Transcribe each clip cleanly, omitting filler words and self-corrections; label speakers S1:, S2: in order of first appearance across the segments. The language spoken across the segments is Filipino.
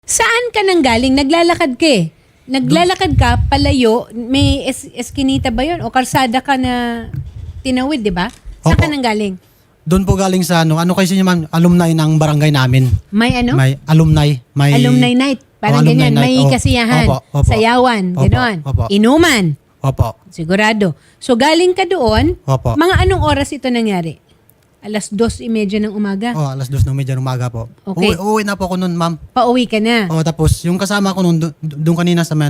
S1: Saan ka nang galing? Naglalakad ka eh. Naglalakad ka, palayo, may eskinita ba yun? O karsada ka na tinawid, di ba? Saan ka
S2: Opo.
S1: nang galing?
S2: Doon po galing sa ano kasi niya ma'am, alumni ng barangay namin.
S1: May ano?
S2: May alumni. May
S1: Alumni night. Parang
S2: alumni
S1: ganyan.
S2: night.
S1: May kasiyahan.
S2: Opo, opo.
S1: Sayawan.
S2: Opo,
S1: Ganon.
S2: opo.
S1: Inuman.
S2: Opo.
S1: Sigurado. So galing ka doon.
S2: Opo.
S1: Mga anong oras ito nangyari? 2:30 ng umaga.
S2: Oh, alas 2:30 ng umaga po.
S1: Okay.
S2: Uwi na po ako noon, ma'am.
S1: Pauwi ka na.
S2: Oh, tapos yung kasama ko noon doon kanina sa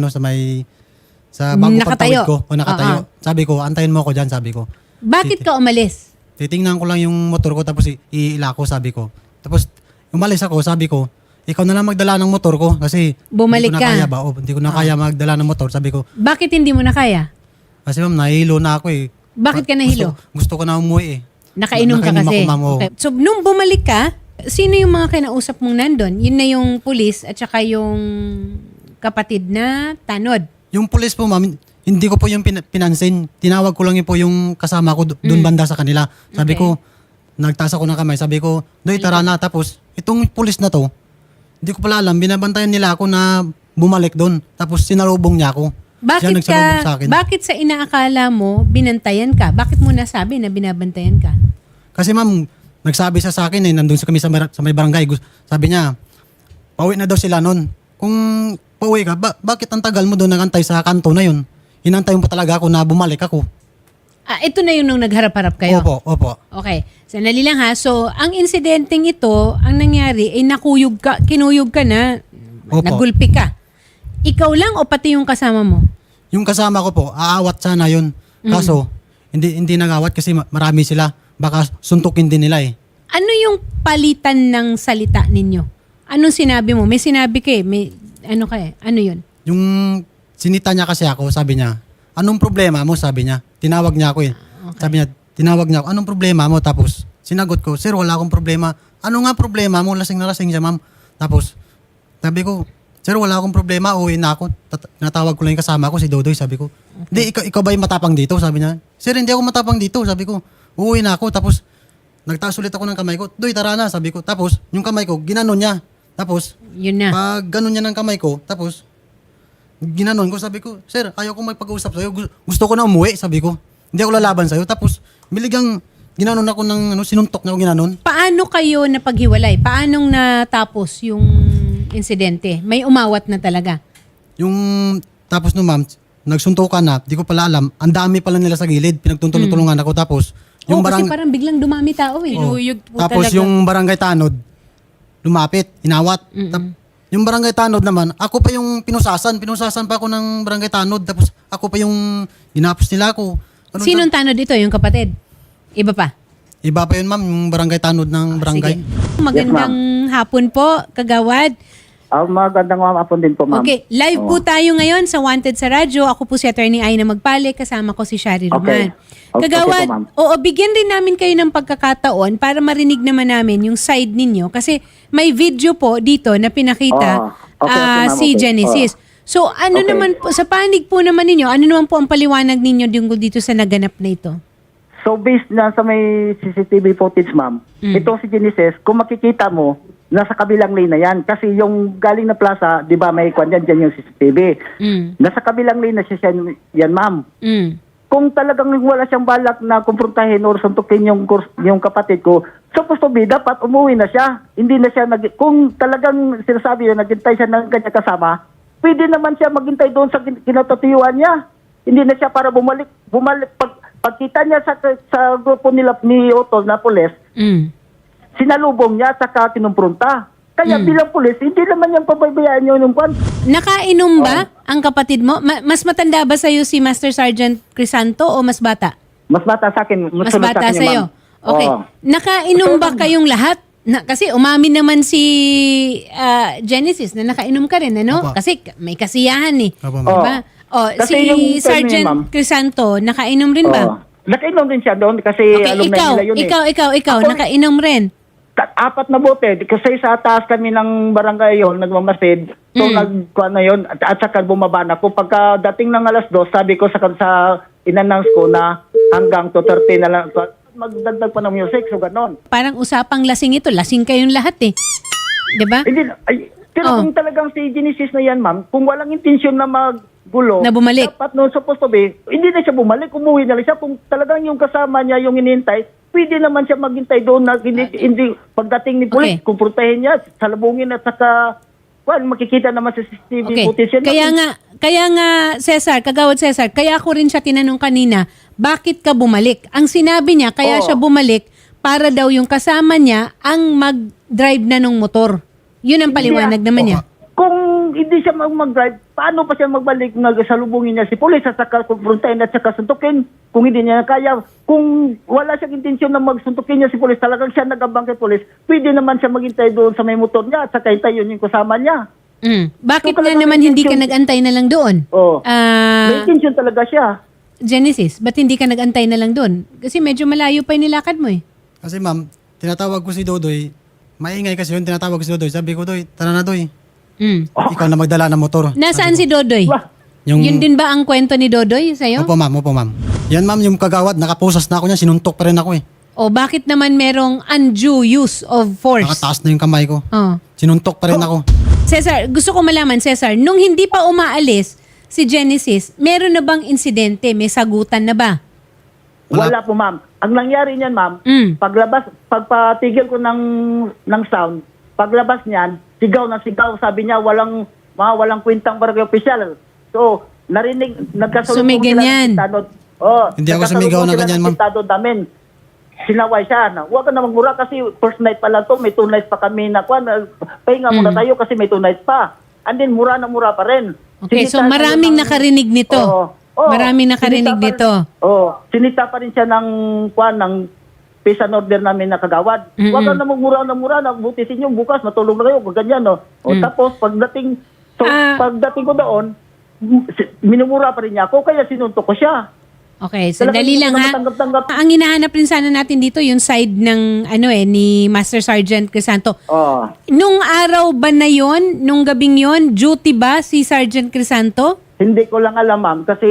S2: sa bago
S1: Nakatayo.
S2: pagtawid ko. O nakatayo.
S1: Oo.
S2: Sabi ko, antayin mo ako diyan, sabi ko.
S1: Bakit ka umalis?
S2: Titingnan ko lang yung motor ko tapos iila ko, sabi ko. Tapos umalis ako, sabi ko, ikaw na lang magdala ng motor ko kasi
S1: Bumalik
S2: hindi ko
S1: ka.
S2: na kaya ba? Hindi ko na kaya magdala ng motor, sabi ko.
S1: Bakit hindi mo na kaya?
S2: Kasi ma'am, nahilo na ako eh.
S1: Bakit ka nahilo?
S2: Gusto ko na umuwi eh.
S1: Nakainom ka
S2: Nakainom
S1: kasi.
S2: ako, ma'am, oo.
S1: Okay. So, nung bumalik ka, sino yung mga kinausap mong nandun? Yun na yung pulis at saka yung kapatid na tanod.
S2: Yung pulis po, ma'am, hindi ko po yung pinansin. Tinawag ko lang yun po yung kasama ko doon banda sa kanila. Sabi
S1: Okay.
S2: ko, nagtaas ako ng kamay. Sabi ko, Doy, tara na. Tapos, itong pulis na to, hindi ko pala alam, binabantayan nila ako na bumalik doon. Tapos, sinalubong niya ako. Siya nagsalubong sa akin.
S1: Bakit sa inaakala mo, binantayan ka? Bakit mo nasabi na binabantayan ka?
S2: Kasi ma'am, nagsabi siya sa akin eh, nandun kami sa may barangay. Sabi niya, pauwi na daw sila noon. Kung pauwi ka, bakit ang tagal mo doon nagantay sa kanto na yun? Hinantay mo pa talaga ako na bumalik ako.
S1: Ito na yung nung nagharap-harap kayo.
S2: Opo, opo.
S1: Okay. Sandali lang ha. So, ang insidenteng ito, ang nangyari, ay kinuyog ka na,
S2: Opo.
S1: nagulpi ka. Ikaw lang o pati yung kasama mo?
S2: Yung kasama ko po, aawat sana yun. Kaso, hindi nagawat kasi marami sila. Baka suntukin din nila eh.
S1: Ano yung palitan ng salita ninyo? Anong sinabi mo? May sinabi ka eh. May, ano ka eh? Ano yun?
S2: Yung sinita niya kasi ako, sabi niya, anong problema mo? Sabi niya. Tinawag niya ako eh.
S1: Okay.
S2: Sabi niya, tinawag niya ako, anong problema mo? Tapos, sinagot ko, sir, wala akong problema. Ano nga problema mo? Lasing na lasing siya, ma'am. Tapos, sabi ko, sir, wala akong problema, uwi na ako. Natawag ko lang yung kasama ko, si Dodoy, sabi ko. Hindi, ikaw ba yung matapang dito? Sabi niya. Sir, hindi ako matapang dito, sabi ko. Uuwi na ako, tapos nagtaas ulit ako ng kamay ko. Doy, tara na, sabi ko. Tapos, yung kamay ko, ginanon niya. Tapos,
S1: Yun na.
S2: pag ganon niya ng kamay ko, tapos, ginanon ko, sabi ko, sir, ayaw ko magpag-usap sa'yo. Gusto ko na umuwi, sabi ko. Hindi ako lalaban sa'yo. Tapos, biligang ginanon ako ng, sinuntok na ako ginanon.
S1: Paano kayo napaghiwalay? Paanong natapos yung insidente? May umawat na talaga.
S2: Yung, tapos no ma'am, nagsuntukan na, di ko pala alam, ang dami pala nila sa gilid, pinagtutulungan ako. Tapos, yung
S1: Kasi parang biglang dumami tao eh.
S2: Oh.
S1: Inuyog po
S2: Tapos
S1: talaga.
S2: yung barangay tanod, lumapit, inawat. Yung barangay tanod naman, ako pa yung pinusasan pa ako ng barangay tanod. Tapos ako pa yung ginapos nila ako. Ano
S1: Sinong tanod ito? Yung kapatid? Iba pa?
S2: Iba pa yun ma'am, yung barangay tanod ng barangay.
S1: Sige. Magandang hapon po, Kagawad.
S3: Magandang hapon din po, ma'am.
S1: Okay, live po tayo ngayon sa Wanted sa Radyo. Ako po si Attorney Aina Magpale, kasama ko si Shari Roman.
S3: Okay,
S1: Kagawad,
S3: po, ma'am.
S1: bigyan rin namin kayo ng pagkakataon para marinig naman namin yung side ninyo. Kasi may video po dito na pinakita
S3: Okay, ma'am,
S1: si
S3: okay.
S1: Genesis. So ano
S3: Okay.
S1: naman po, sa panig po naman ninyo, ano naman po ang paliwanag ninyo dito sa naganap na ito?
S3: So, based na sa may CCTV footage, ma'am, ito si Genesis, kung makikita mo, nasa kabilang lane na yan. Kasi yung galing na plaza, di ba, may kwan dyan yung CCTV.
S1: Mm.
S3: Nasa kabilang lane na siya yan, ma'am.
S1: Mm.
S3: Kung talagang wala siyang balak na kumprontahin or suntukin yung kapatid ko, supposed to be, dapat umuwi na siya. Hindi na siya, kung talagang sinasabi yun, naghintay siya ng kanya kasama, pwede naman siya maghintay doon sa kinatutuyuan niya. Hindi na siya para bumalik pagkita niya sa grupo nila ni Otto na pulis, sinalubong niya at saka kinumpronta. Kaya bilang pulis, hindi naman niyang pabaybayaan yung kwan.
S1: Nakainom ba ang kapatid mo? Mas matanda ba sa'yo si Master Sergeant Crisanto o mas bata?
S3: Mas bata sa akin.
S1: Mas
S3: sunod
S1: bata
S3: sa akin,
S1: sa'yo.
S3: ma'am.
S1: Okay.
S3: Oo.
S1: Nakainom ba kayong lahat? Kasi umamin naman si Genesis na nakainom ka rin, ano?
S2: Opo.
S1: Kasi may kasiyahan eh.
S2: Opo, ma'am.
S1: Diba?
S3: Kasi
S1: Si
S3: yung term
S1: Sergeant
S3: niya, ma'am.
S1: Crisanto, nakainom rin ba?
S3: Oo. Nakainom din siya doon kasi
S1: Okay,
S3: alumni nila yun
S1: ikaw,
S3: Ako-
S1: nakainom rin.
S3: 4 na bote. Kasi sa taas kami ng barangay yun, nagmamasid. So nagkuhan na yun at saka bumaba na ako. Pagkadating ng alas 2, sabi ko sa inannounce ko na hanggang 2:30 na lang. Magdagdag pa ng music, so ganon.
S1: Parang usapang lasing ito. Lasing kayong lahat eh. Diba?
S3: Hindi, ay, Pero
S1: Oh.
S3: kung talagang si Genesis na yan, ma'am, kung walang intensyon na maggulo,
S1: Na bumalik.
S3: dapat no, supposed to be, hindi na siya bumalik, umuwi na lang siya. Kung talagang yung kasama niya yung inintay, pwede naman siya maghintay doon na hindi pagdating ni pulis,
S1: Okay.
S3: kumprontahin niya, salubungin at saka, makikita naman sa CCTV
S1: Okay.
S3: footage yan.
S1: Kaya nga, Cesar, Kagawad Cesar, kaya ako rin siya tinanong kanina, bakit ka bumalik? Ang sinabi niya, kaya
S3: Oo.
S1: siya bumalik para daw yung kasama niya ang mag-drive na ng motor. Yun ang paliwanag naman niya.
S3: Kung hindi siya mag-drive, paano pa siya magbalik na salubungin niya si pulis at saka kumprontahin at saka suntukin? Kung hindi niya kaya, kung wala siyang intensyon na magsuntukin niya si pulis, talagang siya nagabang kay pulis, pwede naman siya maghintay doon sa may motor niya at saka hintay yun yung kasama niya.
S1: Bakit
S3: So,
S1: nga
S3: talagang
S1: naman hindi ka
S3: intention-
S1: nag-antay na lang doon?
S3: Oh. May intensyon talaga siya.
S1: Genesis, ba't hindi ka nag-antay na lang doon? Kasi medyo malayo pa yung nilakad mo eh.
S2: Kasi ma'am, tinatawag ko si Dodoy. Maingay kasi yun, tinatawag ko si Dodoy. Sabi ko, Doy, tara na Doy. Ikaw na magdala ng motor.
S1: Nasaan si Dodoy?
S3: Wah,
S1: Yun din ba ang kwento ni Dodoy sa'yo?
S2: Opo ma'am. Yan ma'am, yung kagawad, nakapusas na ako niya, sinuntok pa rin ako eh.
S1: O bakit naman merong undue use of force?
S2: Nakataas na yung kamay ko.
S1: Oh.
S2: Sinuntok pa rin ako.
S1: Cesar, gusto ko malaman, Cesar, nung hindi pa umaalis si Genesis, meron na bang insidente? May sagutan na ba?
S3: wala po, ma'am. Ang nangyari niyan, ma'am, pagpatigil ko ng sound, paglabas niyan, sigaw na sigaw, sabi niya walang kwentang barangay official. So, nagkasalubong
S1: So, may ganyan.
S2: Hindi ako sumigaw ng ganyan, ma'am.
S3: Namin. Sinaway siya na, huwag ka na magmura kasi first night pa lang to, may 2 nights pa kami na pahinga muna tayo kasi may 2 nights pa. And then, mura na mura pa rin.
S1: Okay, so
S3: Sinita
S1: maraming
S3: siya ng-
S1: nakarinig nito. Maraming nakarinig nito.
S3: Sinita pa rin siya ng peace and order namin na kagawad. Huwag ka na magmura na mura, buti sa inyo, bukas matulog na kayo, ganyan, no? Tapos, pagdating ko doon, minumura pa rin niya ako, kaya sinuntok ko siya.
S1: Okay,
S3: Talagang
S1: sandali
S3: hindi
S1: lang
S3: ko
S1: ha.
S3: na matanggap-tanggap.
S1: Ang hinahanap rin sana natin dito, yung side ng ni Master Sergeant Crisanto.
S3: Oh.
S1: Nung araw ba na yon, nung gabing yon, duty ba si Sergeant Crisanto?
S3: Hindi ko lang alam, ma'am, kasi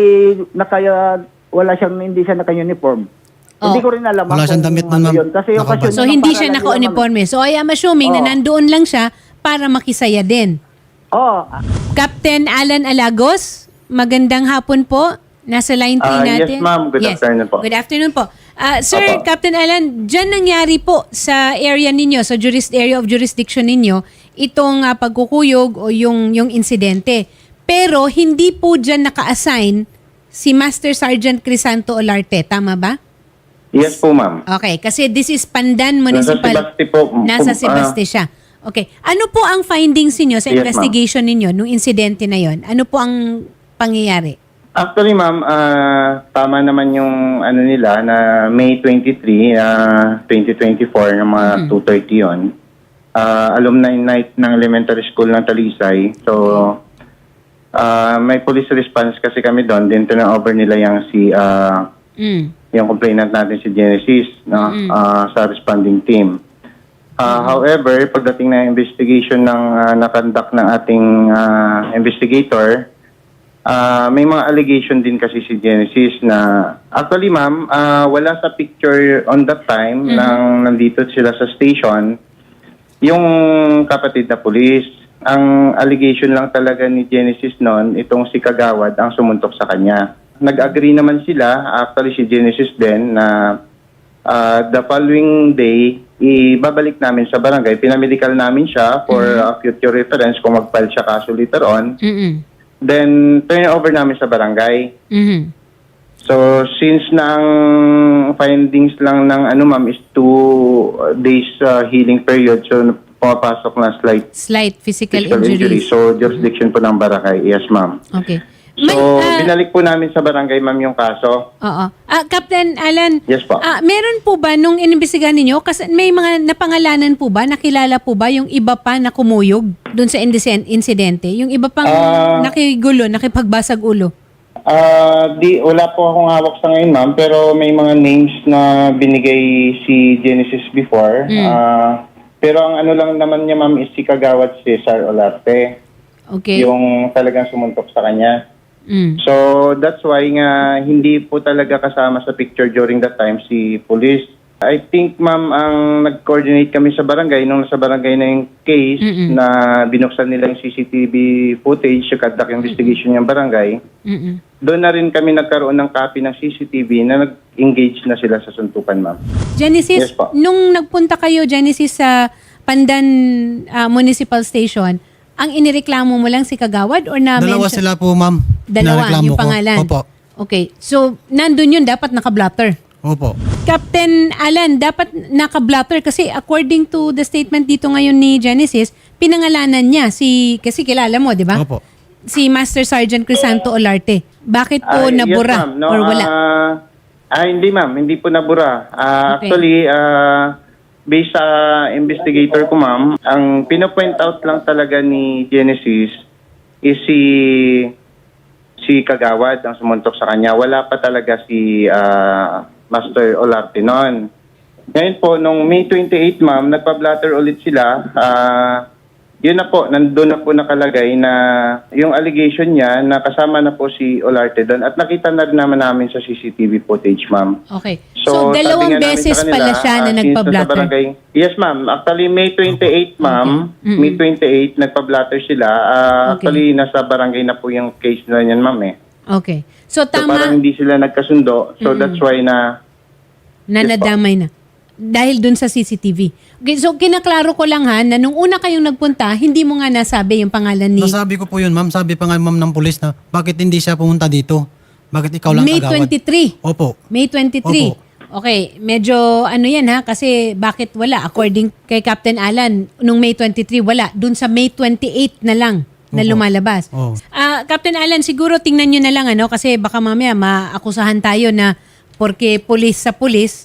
S3: hindi siya naka-uniform. Hindi ko rin alam.
S2: Wala siyang
S3: kung
S2: damit man,
S3: ano
S2: ma'am.
S3: yun. Kasi
S2: Nakabas.
S3: okasyon
S1: So
S3: na
S1: hindi
S3: para
S1: siya
S3: lang yun,
S1: naka-uniforme. So I am assuming na nandoon lang siya para makisaya din.
S3: ma'am. Oh,
S1: Captain Alan Alagos, magandang hapon po. Nasa line 3 natin.
S4: Yes, ma'am. Good afternoon po.
S1: Good afternoon po. Sir,
S4: Opo.
S1: Captain Alan, dyan nangyari po sa area ninyo, sa area of jurisdiction ninyo, itong pagkukuyog o yung insidente. Pero hindi po dyan naka-assign si Master Sergeant Crisanto Olarte. Tama ba?
S4: Yes po, ma'am.
S1: Okay, kasi this is Pandan Municipal.
S4: Nasa Sebasti po.
S1: Nasa Sebasti siya. Okay. Ano po ang findings niyo sa
S4: Yes,
S1: investigation ninyo nung insidente na yon? Ano po ang pangyayari?
S4: Actually, ma'am, tama naman yung nila na May 23, 2024, ng mga 2:30 yun. Alumni night ng elementary school ng Talisay. So, may police response kasi kami doon. Then, turn-over nila yung complainant natin si Genesis sa responding team. However, pagdating na investigation ng nakandak ng ating investigator, may mga allegation din kasi si Genesis na actually, ma'am, wala sa picture on that time nang nandito sila sa station yung kapatid na pulis. Ang allegation lang talaga ni Genesis noon, itong si Kagawad ang sumuntok sa kanya. Nag-agree naman sila, actually si Genesis din, na the following day, ibabalik namin sa barangay. Pinamedical namin siya for future reference kung mag-file siya kaso later on. Then, turn over namin sa barangay. So, since na ang findings lang ng ma'am is 2 days healing period, so pumapasok na
S1: Slight physical
S4: injury.
S1: injuries.
S4: So, jurisdiction po ng barangay. Yes, ma'am.
S1: Okay.
S4: So, binalik po namin sa barangay, ma'am, yung kaso.
S1: Oo. Captain Alan,
S4: Yes po.
S1: meron po ba nung inimbestigahan ninyo, kasi may mga napangalanan po ba, nakilala po ba yung iba pa na kumuyog doon sa insidente? Yung iba pang nakigulo, nakipagbasag ulo?
S4: Wala po akong hawak sa ngayon, ma'am, pero may mga names na binigay si Genesis before. Pero ang lang naman niya, ma'am, is si Kagawad Cesar Olarte.
S1: Okay.
S4: Yung talagang sumuntok sa kanya. So, that's why nga hindi po talaga kasama sa picture during that time si police. I think, ma'am, ang nag-coordinate kami sa barangay, nung nasa barangay na yung case na binuksan nila yung CCTV footage, yung conduct investigation yung barangay, doon na rin kami nagkaroon ng copy ng CCTV na nag-engage na sila sa suntukan, ma'am.
S1: Genesis,
S4: Yes po.
S1: nung nagpunta kayo, Genesis, sa Pandan Municipal Station, ang inireklamo mo lang si Kagawad or na
S2: Dalawa
S1: mention-
S2: sila po, ma'am.
S1: Dalawa,
S2: Nareklamo
S1: yung
S2: ko.
S1: pangalan.
S2: Opo.
S1: Okay. So, nandun yun, dapat naka-blotter.
S2: Opo.
S1: Captain Alan, dapat naka-blotter kasi according to the statement dito ngayon ni Genesis, pinangalanan niya kasi kilala mo, di ba?
S2: Opo.
S1: Si Master Sergeant Crisanto Olarte. Bakit po
S4: Yes,
S1: nabura
S4: ma'am. No,
S1: or wala?
S4: Hindi, ma'am. Hindi po nabura.
S1: Okay.
S4: Actually, based sa investigator ko, ma'am, ang pinopoint out lang talaga ni Genesis is si Kagawad ang sumuntok sa kanya. Wala pa talaga si Master Olarte noon. Ngayon po, nung May 28, ma'am, nagpa-blatter ulit sila. Yun na po, nandun na po nakalagay na yung allegation niya na kasama na po si Olarte doon at nakita na rin naman namin sa CCTV footage, ma'am.
S1: Okay. So,
S4: sabi
S1: dalawang
S4: nga namin
S1: beses
S4: sa kanila,
S1: pala siya na
S4: since
S1: nagpa-blatter.
S4: nasa barangay- Yes, ma'am. Actually, May 28, ma'am. May 28, nagpa-blatter sila. Actually, nasa barangay na po yung case na yan, ma'am, eh.
S1: Okay. So,
S4: So, parang
S1: tama
S4: hindi sila nagkasundo. So, that's why na...
S1: na nadamay na. Dahil dun sa CCTV. Okay, so, kinaklaro ko lang ha, na nung una kayong nagpunta, hindi mo nga nasabi yung pangalan ni
S2: Nasabi ko po yun, ma'am. Sabi pa nga, ma'am, ng pulis na, bakit hindi siya pumunta dito? Bakit ikaw lang
S1: May
S2: Kagawad?
S1: 23.
S2: Opo.
S1: May 23.
S2: Opo.
S1: Okay, medyo ano yan ha, kasi bakit wala? According kay Captain Alan, nung May 23, wala. Dun sa May 28 na lang na
S2: Opo.
S1: lumalabas.
S2: Oo.
S1: Captain Alan, siguro tingnan nyo na lang ano, kasi baka mamaya maakusahan tayo na porque pulis sa pulis,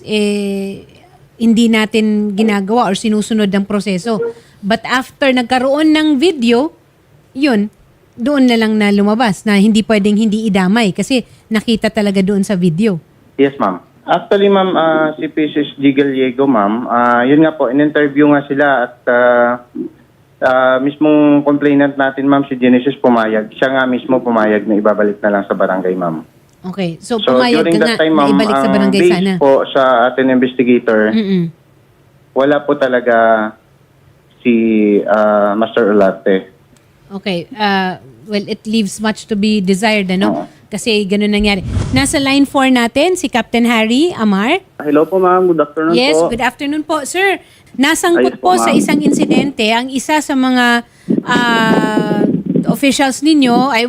S1: hindi natin ginagawa or sinusunod ang proseso. But after nagkaroon ng video, yun, doon na lang na lumabas na hindi pwedeng hindi idamay kasi nakita talaga doon sa video.
S4: Yes, ma'am. Actually, ma'am, si Mrs. G. Gallego, ma'am, yun nga po, in-interview nga sila at mismong complainant natin, ma'am, si Genesis pumayag. Siya nga mismo pumayag na ibabalik na lang sa barangay, ma'am.
S1: Okay. So,
S4: So,
S1: pumayag
S4: during
S1: ka nga
S4: that time,
S1: na
S4: ma'am,
S1: ibalik sa
S4: ang
S1: barangay
S4: base
S1: sana.
S4: po sa ating investigator, wala po talaga si Master Olarte.
S1: Okay. Well, it leaves much to be desired, ano?
S4: Oo.
S1: Kasi ganun nangyari. Nasa line 4 natin, si Captain Harry Amar.
S5: Hello po ma'am, good afternoon
S1: Yes,
S5: po.
S1: good afternoon po. Sir, nasangkot
S5: Ayos po,
S1: po sa
S5: ma'am.
S1: isang insidente. Ang isa sa mga officials ninyo ay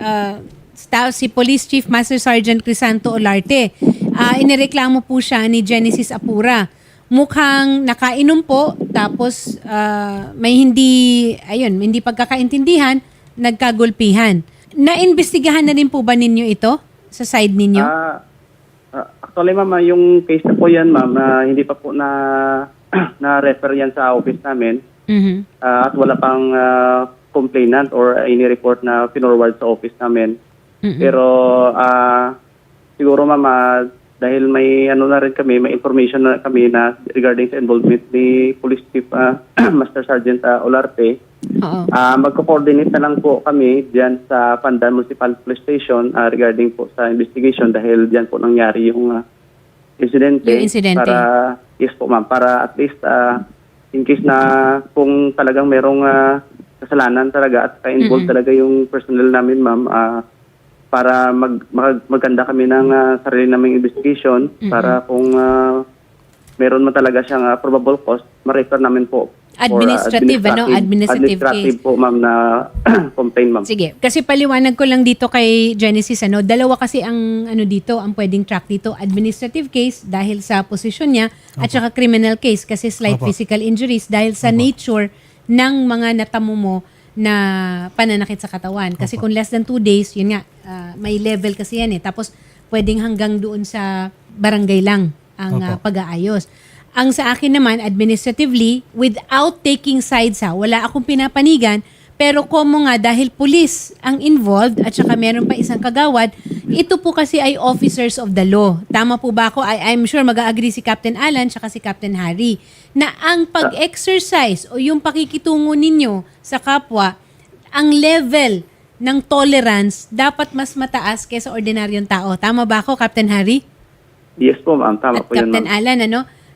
S1: si Police Chief Master Sergeant Crisanto Olarte. Inireklamo po siya ni Genesis Apura. Mukhang nakainom po, tapos may hindi pagkakaintindihan, nagkagulpihan. Naimbestigahan na rin po ba ninyo ito sa side ninyo?
S5: Actually ma'am, yung case na po yan ma'am, hindi pa po na-refer yan sa office namin.
S1: Mhm.
S5: At wala pang complainant or any report na pinorward sa office namin. Pero siguro ma'am, dahil may na rin kami, may information na kami na regarding sa involvement ni Police Chief Master Sergeant Olarte,
S1: Oo.
S5: magko-coordinate na lang po kami diyan sa Pandan Municipal Police Station regarding po sa investigation dahil diyan po nangyari yung insidente.
S1: Yung insidente.
S5: Para, yes po ma'am, para at least in case na kung talagang merong kasalanan talaga at ka-involved talaga yung personnel namin ma'am, para maganda kami ng sarili naming investigation para kung meron man talaga siyang probable cause, ma-refer namin po.
S1: Administrative, administrative case.
S5: Po, ma'am, na complaint, ma'am.
S1: Sige, kasi paliwanag ko lang dito kay Genesis, dalawa kasi ang ang pwedeng track dito, administrative case dahil sa posisyon niya at saka criminal case kasi slight
S2: Opo.
S1: physical injuries dahil sa nature ng mga natamo mo na pananakit sa katawan. Kasi kung less than 2 days, yun nga, may level kasi yan Tapos pwedeng hanggang doon sa barangay lang ang
S2: Opo.
S1: pag-aayos. Ang sa akin naman, administratively, without taking sides wala akong pinapanigan, pero komo nga dahil pulis ang involved at saka meron pa isang kagawad, ito po kasi ay officers of the law. Tama po ba ako? I'm sure mag-agree si Captain Alan at si Captain Harry na ang pag-exercise o yung pakikitungo ninyo sa kapwa, ang level ng tolerance dapat mas mataas kaysa ordinaryong tao. Tama ba ako, Captain Harry?
S5: Yes po, ma'am. Tama
S1: At
S5: po yun,
S1: Captain
S5: ma'am.
S1: Alan,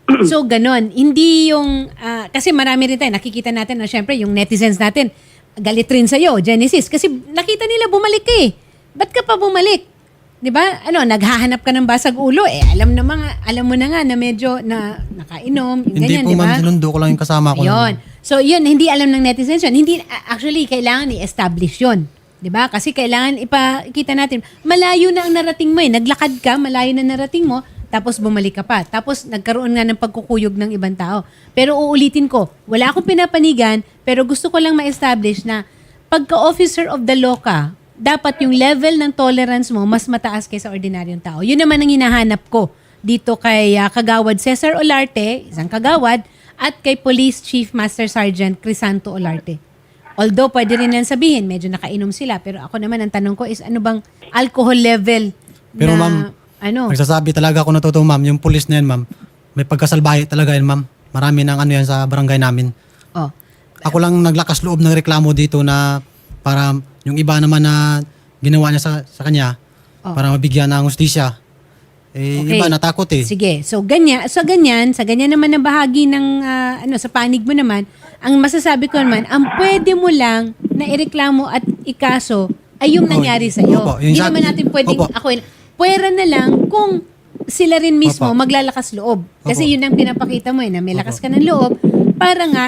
S1: So, ganon. Hindi yung, kasi marami rin tayo, nakikita natin na syempre yung netizens natin, galit rin sa'yo, Genesis. Kasi nakita nila bumalik ka eh. Ba't ka pa bumalik? 'Di ba? Naghahanap ka ng basag ulo eh. Alam mo na nga na medyo na nakainom, yung
S2: Hindi
S1: ganyan,
S2: po
S1: 'di ba?
S2: ma'am, sinundo ko lang yung kasama ko.
S1: Yun. So, yun, hindi alam ng netizens yun. Hindi, actually, kailangan i-establish yun. 'Di ba? Kasi kailangan ipakita natin, malayo na ang narating mo eh. Naglakad ka, malayo na narating mo, tapos bumalik ka pa. Tapos nagkaroon nga ng pagkukuyog ng ibang tao. Pero uulitin ko, wala akong pinapanigan, pero gusto ko lang ma-establish na pagka-officer of the law ka, dapat yung level ng tolerance mo mas mataas kaysa ordinaryong tao. Yun naman ang hinahanap ko dito kay Kagawad Cesar Olarte, isang kagawad, at kay Police Chief Master Sergeant Crisanto Olarte. Although pwede rin lang sabihin, medyo nakainom sila, pero ako naman ang tanong ko is ano bang alcohol level
S2: Pero
S1: na
S2: ma'am, nagsasabi talaga ako na totoo ma'am, yung pulis na yan ma'am, may pagkasalbahe talaga yan ma'am. Marami ng yan sa barangay namin.
S1: Oh.
S2: Ako lang naglakas loob ng reklamo dito na para yung iba naman na ginawa niya sa kanya para mabigyan ng hustisya.
S1: Okay.
S2: Iba natakot eh.
S1: Sige. So ganyan naman na bahagi ng sa panig mo naman, ang masasabi ko naman, ang pwede mo lang na ireklamo at ikaso ay yung nangyari sa iyo.
S2: Opo, yung
S1: Hindi naman natin pwedeng pwera na lang kung sila rin mismo
S2: Opo.
S1: maglalakas loob. Kasi
S2: Opo.
S1: yun ang pinapakita mo na may lakas ka ng loob para nga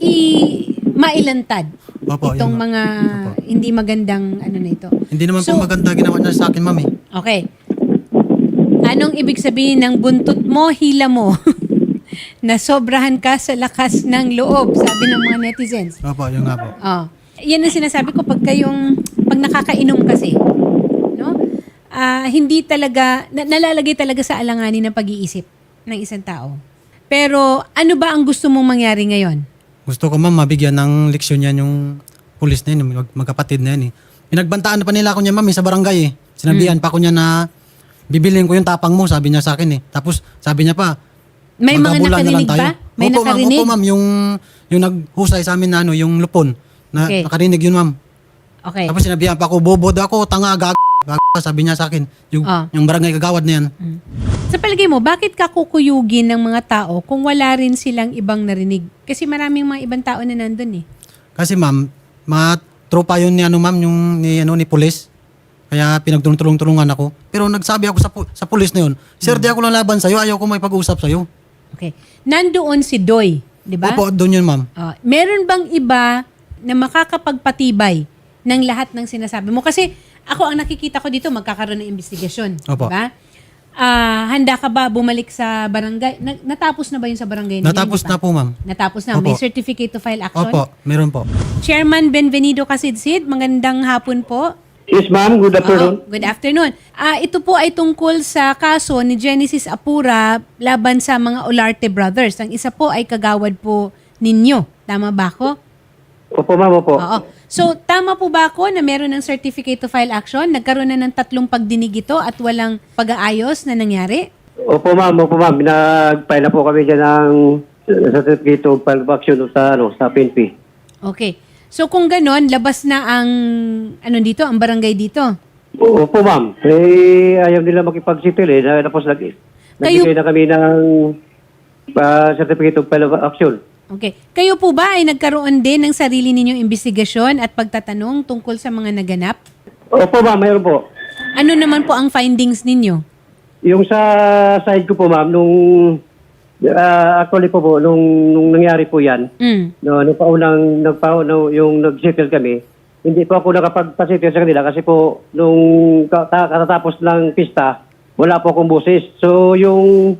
S1: mailantad
S2: Opo,
S1: itong
S2: yun,
S1: mga hindi magandang na ito.
S2: Hindi naman po maganda ginawa niya sa akin ma'am eh.
S1: Okay. Anong ibig sabihin ng buntot mo, hila mo? Na sobrahan ka sa lakas ng loob, sabi ng mga netizens.
S2: Opo, yun nga po.
S1: Oh. Yan ang sinasabi ko pag nakakainom kasi. No? Hindi talaga, nalalagay talaga sa alanganin ng pag-iisip ng isang tao. Pero ano ba ang gusto mong mangyari ngayon?
S2: Gusto ko ma'am mabigyan ng leksyon yan yung pulis na yun, yung magkapatid na yan eh. Pinagbantaan na pa nila ako niya ma'am sa barangay eh. Sinabihan pa ako niya na bibilin ko yung tapang mo, sabi niya sa akin eh. Tapos sabi niya pa,
S1: May mga
S2: magkabulan na lang
S1: nakarinig
S2: tayo.
S1: ba? May
S2: Opo,
S1: nakarinig?
S2: Opo ma'am, yung naghusay sa amin na yung lupon.
S1: Okay.
S2: Nakarinig yun ma'am.
S1: Okay.
S2: Tapos sinabihan pa ako, bobo daw ako, tanga, sabi niya sa akin. Yung barangay kagawad na yan.
S1: Sa palagay mo, bakit ka kukuyugin ng mga tao kung wala rin silang ibang narinig? Kasi maraming mga ibang tao na nandun eh.
S2: Kasi ma'am, mga tropa yun ni ma'am, ni pulis. Kaya pinagtulong-tulungan ako. Pero nagsabi ako sa pulis na yun, sir, di ako lalaban sa'yo, ayaw ko may pag-usap sa'yo.
S1: Okay. Nandoon si Doy, di ba?
S2: Opo, doon yun ma'am.
S1: Meron bang iba na makakapagpatibay ng lahat ng sinasabi mo? Kasi ako ang nakikita ko dito, magkakaroon ng investigasyon.
S2: Opo.
S1: Di ba? Handa ka ba bumalik sa barangay? Natapos na ba yun sa barangay?
S2: Natapos na po ma'am.
S1: Natapos na.
S2: Opo.
S1: May certificate to file action?
S2: Opo, meron po.
S1: Chairman Benvenido Casidsid, magandang hapon po.
S5: Yes, ma'am. Good afternoon.
S1: Good afternoon. Ito po ay tungkol sa kaso ni Genesis Apura laban sa mga Olarte brothers. Ang isa po ay kagawad po ninyo. Tama ba ako?
S5: Opo, ma'am. Opo.
S1: Oo. So, tama po ba ako na meron ng certificate to file action? Nagkaroon na ng 3 pagdinig ito at walang pag-aayos na nangyari?
S5: Opo, ma'am. Opo, ma'am. Pinag-file na po kami dyan ng certificate of file of action sa PNP.
S1: Okay. So, kung ganon, labas na ang ang barangay dito.
S5: Opo, ma'am. Ayaw nila makipag-settle eh. Tapos nagbigay na kami ng certificate of file of action.
S1: Okay. Kayo po ba ay nagkaroon din ng sarili ninyong investigasyon at pagtatanong tungkol sa mga naganap?
S5: Opo, ma'am. Mayroon po.
S1: Ano naman po ang findings ninyo?
S5: Yung sa side ko po, ma'am, actually po, nung nangyari po yan, nung yung nag-settle kami, hindi po ako nakapag-settle sa kanila kasi po, nung katatapos ng pista, wala po akong boses. So, yung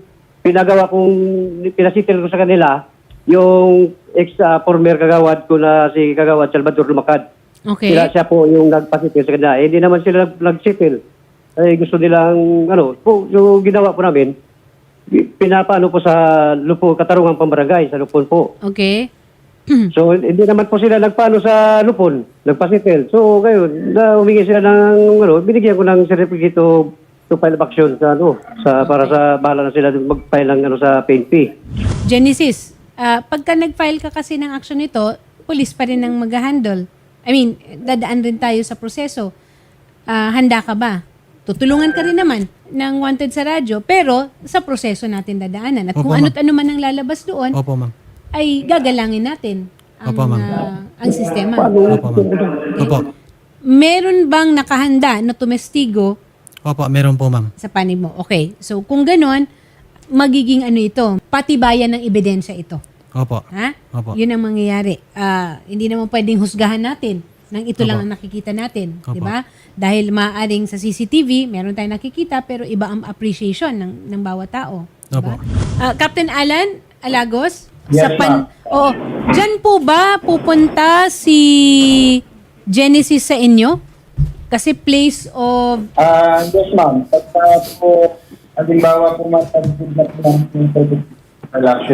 S5: pinasettle ko sa kanila, yung ex-former kagawad ko na si Kagawad Salvador Lumakad.
S1: Okay.
S5: Siya po yung nagpa-settle sa kanila. Hindi naman sila nag-settle. Gusto nilang, yung ginawa po namin, pinapaano po sa Katarungan Pambarangay, sa Lupon po.
S1: Okay.
S5: So, hindi naman po sila nagpaano sa Lupon, nagpa-settle. So, ngayon, humingi sila ng, binigyan ko ng certificate to file of action para sa bahala na sila mag-file ng sa PNP.
S1: Genesis, pagka nag-file ka kasi ng action nito, police pa rin ang mag-handle. I mean, dadaan rin tayo sa proseso. Handa ka ba tutulungan ka rin naman ng wanted sa radyo, pero sa proseso natin dadaanan. At
S2: Opo,
S1: kung
S2: ma'am.
S1: ano't ano man ang lalabas doon,
S2: Opo, ma'am.
S1: ay gagalangin natin ang,
S2: Opo, ma'am.
S1: ang sistema.
S2: Opo, ma'am. Opo.
S1: Meron bang nakahanda na tumestigo
S2: Opo, meron po, ma'am.
S1: sa panig mo? Okay. So, kung ganon, magiging ano ito, patibayan ng ebidensya ito.
S2: Opo.
S1: Ha?
S2: Opo.
S1: Yun ang mangyayari. Hindi naman pwedeng husgahan natin nang ito lang
S2: Opo.
S1: ang nakikita natin.
S2: Opo.
S1: Di ba? Dahil maaaring sa CCTV, meron tayong nakikita, pero iba ang appreciation ng bawat tao. Diba?
S2: Opo.
S1: Captain Alan Alagos,
S4: Yes, ma'am.
S1: Oo. Diyan po ba pupunta si Genesis sa inyo? Kasi place of...
S4: Yes, ma'am. Pagka po, halimbawa po matagod na po ng election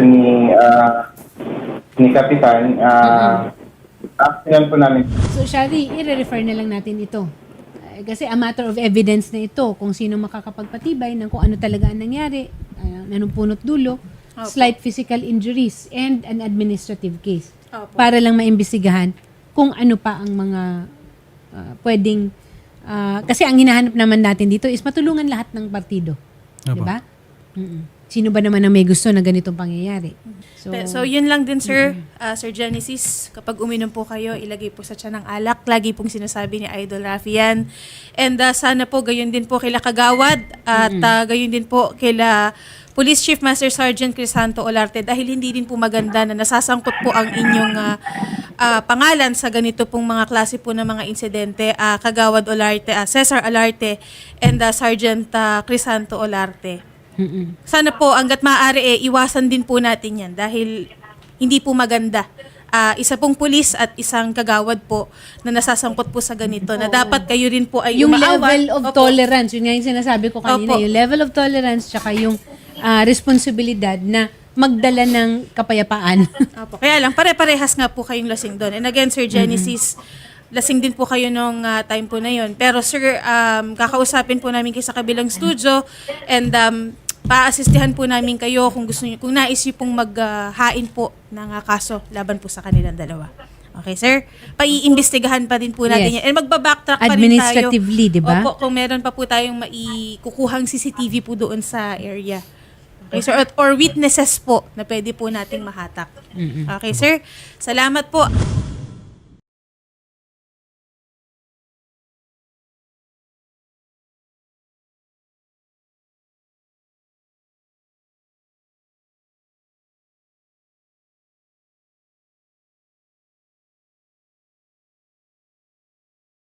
S4: ni Kapitan, actionan po namin.
S1: So, Shari, i-refer na lang natin ito. Kasi a matter of evidence na ito kung sino makakapagpatibay ng kung ano talaga ang nangyari, anong punot dulo, slight physical injuries, and an administrative case. Para lang maimbestigahan kung ano pa ang mga pwedeng... kasi ang hinahanap naman natin dito is matulungan lahat ng partido.
S2: Opo.
S1: Diba? Sino ba naman ang may gusto na ganitong pangyayari?
S6: So, yun lang din, sir. Sir Genesis, kapag uminom po kayo, ilagay po sa tiyan ng alak. Lagi pong sinasabi ni Idol Rafi yan. And sana po, gayon din po kila Kagawad at gayon din po kila Police Chief Master Sergeant Crisanto Olarte dahil hindi din po maganda na nasasangkot po ang inyong pangalan sa ganito pong mga klase po ng mga insidente. Kagawad Olarte, Cesar Olarte, and Sergeant Crisanto Olarte. Sana po hangga't maaari iwasan din po natin yan dahil hindi po maganda. Isa pong pulis at isang kagawad po na nasasangkot po sa ganito na dapat kayo rin po ay
S1: yung
S6: umaawan.
S1: level of
S6: Opo.
S1: tolerance, yun nga yung sinasabi ko kanina,
S6: Opo.
S1: yung level of tolerance tsaka yung responsibilidad na magdala ng kapayapaan.
S6: Opo. Kaya lang, pare-parehas nga po kayong lasing doon. And again, Sir Genesis, lasing din po kayo nung time po na yon. Pero sir, kakausapin po namin kayo sa kabilang studio and pa-assistihan po namin kayo kung gusto niyo, kung nais niyo pong maghain po ng kaso laban po sa kanilang dalawa. Okay, sir? Paiimbestigahan pa din po natin
S1: Yes.
S6: yan. And magbabacktrack pa rin tayo.
S1: Administratively, di ba?
S6: Opo, kung meron pa po tayong maikukuhang CCTV po doon sa area. Okay, sir? Or witnesses po na pwede po nating mahatak. Okay, sir? Salamat po.